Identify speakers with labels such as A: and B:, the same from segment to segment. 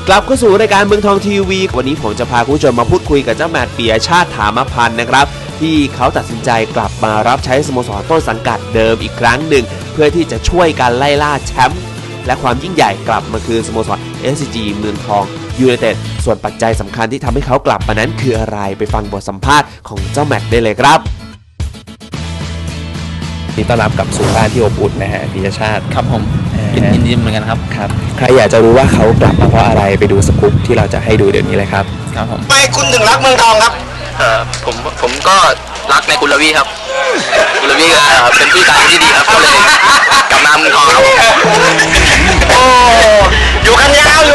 A: กลับเข้าสู่รายการเมืองทองทีวีวันนี้ผมจะพาคุณผู้ชมมาพูดคุยกับเจ้าแมตต์ ปิยชาติ ถามพันธ์นะครับที่เขาตัดสินใจกลับมารับใช้สโมสรต้นสังกัดเดิมอีกครั้งหนึ่งเพื่อที่จะช่วยการไล่ล่าแชมป์และความยิ่งใหญ่กลับมาคือสโมสร SCG เมืองทองยูไนเต็ดส่วนปัจจัยสำคัญที่ทำให้เขากลับมานั้นคืออะไรไปฟังบทสัมภาษณ์ของเจ้าแมตต์ได้เลยครับ
B: นี่ต้อนรับกับสู่บ้านที่อบอุ่นนะฮะปิยชาติ
C: ครับผมยินดีเหมือนกันครับ
B: ใครอยากจะรู้ว่าเขากลับมาเพราะอะไรไปดูสกู๊ปที่เราจะให้ดูเดี๋ยวนี้เลยครับ
C: ครับผม
D: ไม่คุณถึงรักเมืองทองครับ
C: ผมก็รักในคุณลวีครับคุณลวีก็เป็นพี่ชายที่ดีครับก็เลยกลับมาเมืองทองครับ
D: โอ้อยู่กันยาว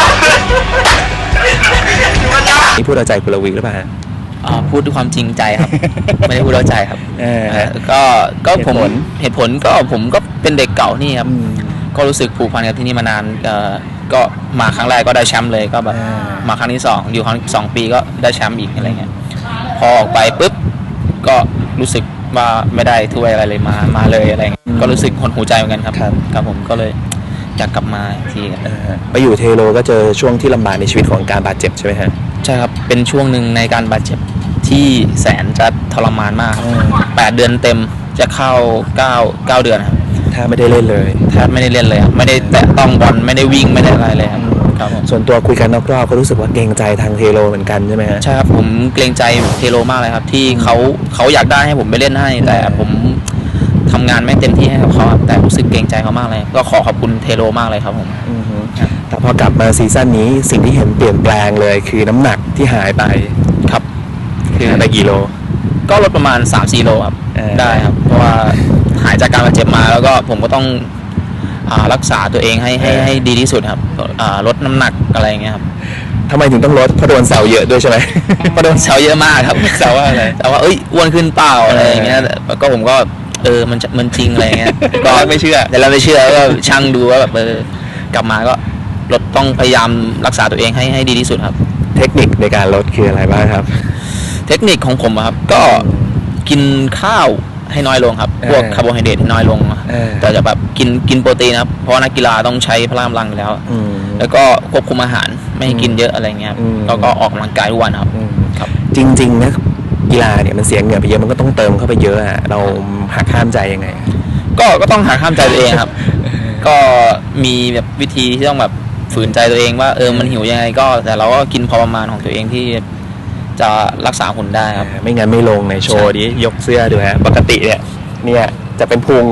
B: นี่พูดเอาใจคุณลวีหรือเปล่า
C: พูดด้วยความจริงใจครับไม่ได้พูดเอาใจครับก็ผมเหตุผลก็ผมก็เป็นเด็กเก่านี่ครับก็รู้สึกผูกพันกับที่นี่มานานก็มาครั้งแรกก็ได้แชมป์เลยก็แบบมาครั้งที่2อยู่ครั้ง2 ปีก็ได้แชมป์อีกอะไรเงี้ยพอออกไปปุ๊บก็รู้สึกว่าไม่ได้ถ้วยอะไรเลยมาเลยอะไรเงี้ยก็รู้สึกหดหูใจเหมือนกันครับผมก็เลยอยากกลับมาที
B: ไปอยู่เทโลก็เจอช่วงที่ลำบากในชีวิตของการบาดเจ็บใช่ไหมฮะ
C: ใช่ครับเป็นช่วงหนึ่งในการบาดเจ็บที่แสนจะทรมานมาก8 เดือนเต็มจะเข้า9 เดือนครับ
B: ถ้าไม่ได้เล่นเลย
C: แทบไม่ได้เล่นเลยไม่ได้แตะต้องบอลไม่ได้วิ่งไม่ได้อะไรเลยครับ
B: ส่วนตัวคุยกันนอกรอบก็รู้สึกว่าเกรงใจทางเทโลเหมือนกันใช่ไหมฮะ
C: ใช่ครับผมเกรงใจเทโลมากเลยครับที่เขาอยากได้ให้ผมไปเล่นให้แต่ผมทำงานไม่เต็มที่ให้กับเขาแต่รู้สึกเกรงใจเขามากเลยก็ขอบคุณเทโลมากเลยครับผม
B: แต่พอกลับมาซีซั่นนี้สิ่งที่เห็นเปลี่ยนแปลงเลยคือน้ำหนักที่หายไป
C: ครับ
B: คือไปกี่โล
C: ก็ลดประมาณ 3-4 โลครับได้ครับเพราะว่าหายจากการบาดเจ็บมาแล้วก็ผมก็ต้องรักษาตัวเองให้ดีที่สุดครับลดน้ำหนักอะไรเงี้ยครับ
B: ทำไมถึงต้องลดเพราะโดนแซวเยอะด้วยใช่ไหม
C: เพราะโดนแซวเยอะมากครับ
B: แซวว่าอะไร
C: แต่ว่าอ้วนขึ้นเปล่าอะไรอย่างเงี้ยก็ผมก็มันจริงอะไรเงี้ย
B: ก็ไม่เชื่อ
C: แต่เราไม่เชื่อก็ช่างดูว่าแบบกลับมาก็ลดต้องพยายามรักษาตัวเองให้ดีที่สุดครับ
B: เทคนิคในการลดคืออะไรบ้างครับ
C: เทคนิคของผมครับก็กินข้าวให้น้อยลงครับพวกคาร์โบไฮเดรตให้น้อยลงแต่จะแบบกินโปรตีนครับเพราะนักกีฬาต้องใช้พลังกำลังอยู่แล้วแล้วก็ควบคุมอาหารไม่ให้กินเยอะอะไรเงี้ยแล้วก็ออกกำลังกายทุกวันครับ
B: จริงๆนะกีฬาเนี่ยมันเสียเงินไปเยอะมันก็ต้องเติมเข้าไปเยอะอะเราหักห้ามใจยังไง
C: ก็ต้องหักห้ามใจตัวเองครับก็มีแบบวิธีที่ต้องแบบฝืนใจตัวเองว่ามันหิวยังไงก็แต่เราก็กินพอประมาณของตัวเองที่จะรักษาหุ่นได้ครับ
B: ไม่งั้นไม่ลงในโชว์นี้ยกเสื้อดูฮะปกติเนี่ยจะเป็นพุง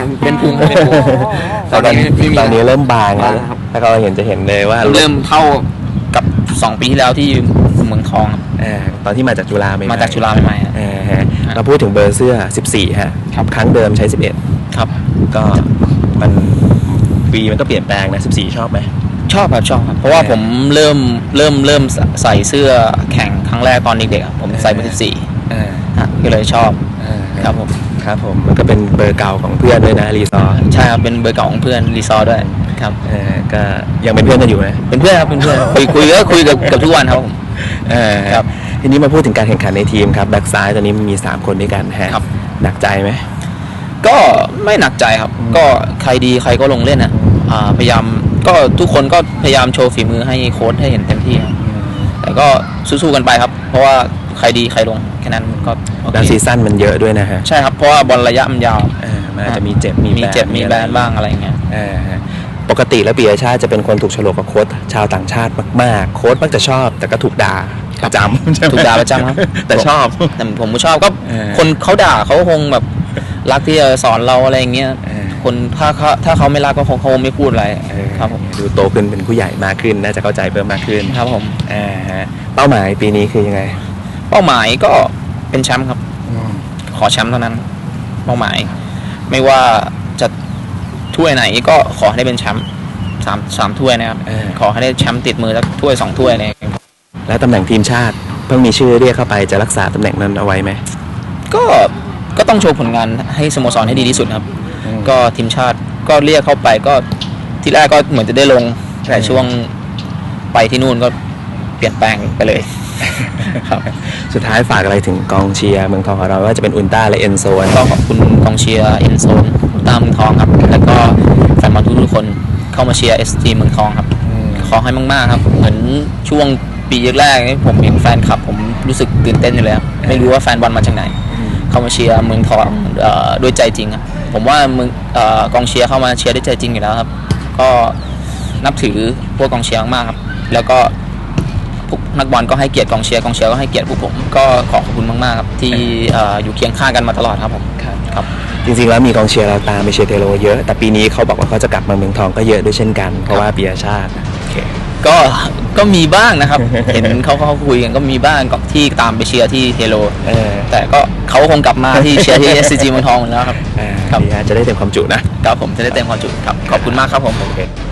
B: ตอนนี้เริ่มบางแล้วถ้าเราเห็นเลยว่า
C: เริ่มเท่ากับ2 ปีที่แล้วที่เมืองทอง
B: ตอนที่มาจากจุฬาใหม่
C: มาจากจุฬาใหม่
B: เราพูดถึงเบอร์เสื้อ14ฮะครั้งเดิมใช้11
C: ครับ
B: ก็มันปีมันก็เปลี่ยนแปลงนะ14ชอบไหม
C: ชอบครับเพราะว่าผมเริ่มใส่เสื้อแข่งครั้งแรกตอนเด็กๆผมใส่เบอร์14ก็เลยชอบครับ
B: ผมมันก็เป็นเบอร์เก่าของเพื่อนด้วยนะรีซอร์
C: ใช่ครับเป็นเบอร์เก่าของเพื่อนรีซอร์ด้วยครับ
B: ก็ยังเป็นเพื่อนกันอยู่นะ
C: เป็นเพื่อนครับเป็นเพื่อนคุยกับทุกวันครับผม
B: ครับทีนี้มาพูดถึงการแข่งขันในทีมครับแบ็กซ้ายตอนนี้มี3 คนด้วยกันฮะหนักใจไหม
C: ก็ไม่หนักใจครับก็ใครดีใครก็ลงเล่นพยายามก็ทุกคนก็พยายามโชว์ฝีมือให้โค้ชให้เห็นเต็มที่แต่ก็สู้ๆกันไปครับเพราะว่าใครดีใครลงแค่นั้นก็
B: แล้วซีซั่นมันเยอะด้วยนะฮะ
C: ใช่ครับเพราะว่าบอลระยะมันยาว
B: มันอาจจะมีเจ็บ
C: มีแบนบ้างอะไรเงี้ย
B: ปกติแล้วปิยชาติจะเป็นคนถูกโฉลกกับโค้ชชาวต่างชาติมากๆโค้ชมักจะชอบแต่ก็ถูกด่าประจำ
C: ถูกด่าประจำครับ
B: แต่ชอบ
C: แต่ผมก็ชอบก็คนเขาด่าเขาคงแบบรักที่จะสอนเราอะไรเงี้ยคนถ้าเขาไม่รักก็คงเขาไม่พูดอะไรครับผม
B: ดูโตขึ้นเป็นผู้ใหญ่มากขึ้นน่าจะเข้าใจเพิ่มมากขึ้น
C: ครับผม
B: เป้าหมายปีนี้คือยังไง
C: เป้าหมายก็เป็นแชมป์ครับขอแชมป์เท่านั้นเป้าหมายไม่ว่าจะถ้วยไหนก็ขอให้ได้เป็นแชมป์3 ถ้วยนะครับขอให้ได้แชมป์ติดมือสักถ้วย2 ถ้วยเนี่ย
B: แล้วตำแหน่งทีมชาติเพิ่งมีชื่อเรียกเข้าไปจะรักษาตำแหน่งนั้นเอาไว้ไหม
C: ก็ต้องโชว์ผลงานให้สโมสรให้ดีที่สุดครับก็ทีมชาติก็เรียกเข้าไปก็ทีแรกก็เหมือนจะได้ลงแต่ช่วงไปที่นู่นก็เปลี่ยนแปลงไปเลย
B: สุดท้ายฝากอะไรถึงกองเชียร์เมืองทองของเราว่าจะเป็นอุลตร้าและเอ็นโซน
C: ก็ขอบคุณกองเชียร์เอ็นโซนอุลตร้าเมืองทองครับแล้วก็แฟนบอลทุกคนเข้ามาเชียร์SCGเมืองทองครับขขอให้มากๆครับเหมือนช่วงปีแรกๆนี่ผมเห็นแฟนคลับผมรู้สึกตื่นเต้นอยู่เลยครับไม่รู้ว่าแฟนบอลมาจากไหนเข้ามาเชียร์เมืองทองด้วยใจจริงครับผมว่าเมืองกองเชียร์เข้ามาเชียร์ด้วยใจจริงอยู่แล้วครับก็นับถือพวกกองเชียร์มากครับแล้วก็นักบอลก็ให้เกียรติกองเชียร์ก็ให้เกียรติพวกผมก็ขอบคุณมากๆครับที่อยู่เคียงข้างกันมาตลอดครับผมครับ
B: จริงๆแล้วมีกองเชียร์เราตามไปเชียร์เทโรเยอะแต่ปีนี้เขาบอกว่าเขาจะกลับมาเมืองทองก็เยอะด้วยเช่นกันเพราะว่าปิยชาติโอเค
C: ก็มีบ้างนะครับ เห็นเขาคุยกันก็มีบ้างที่ตามไปเชียร์ที่เทโรแต่ก็เขาคงกลับมาที่เชียร์ที่ SCG เมืองทองแล้วครับ
B: จะได้เต็มความจุนะครับ
C: ผมจะได้เต็มความจุครับขอบคุณมากครับผม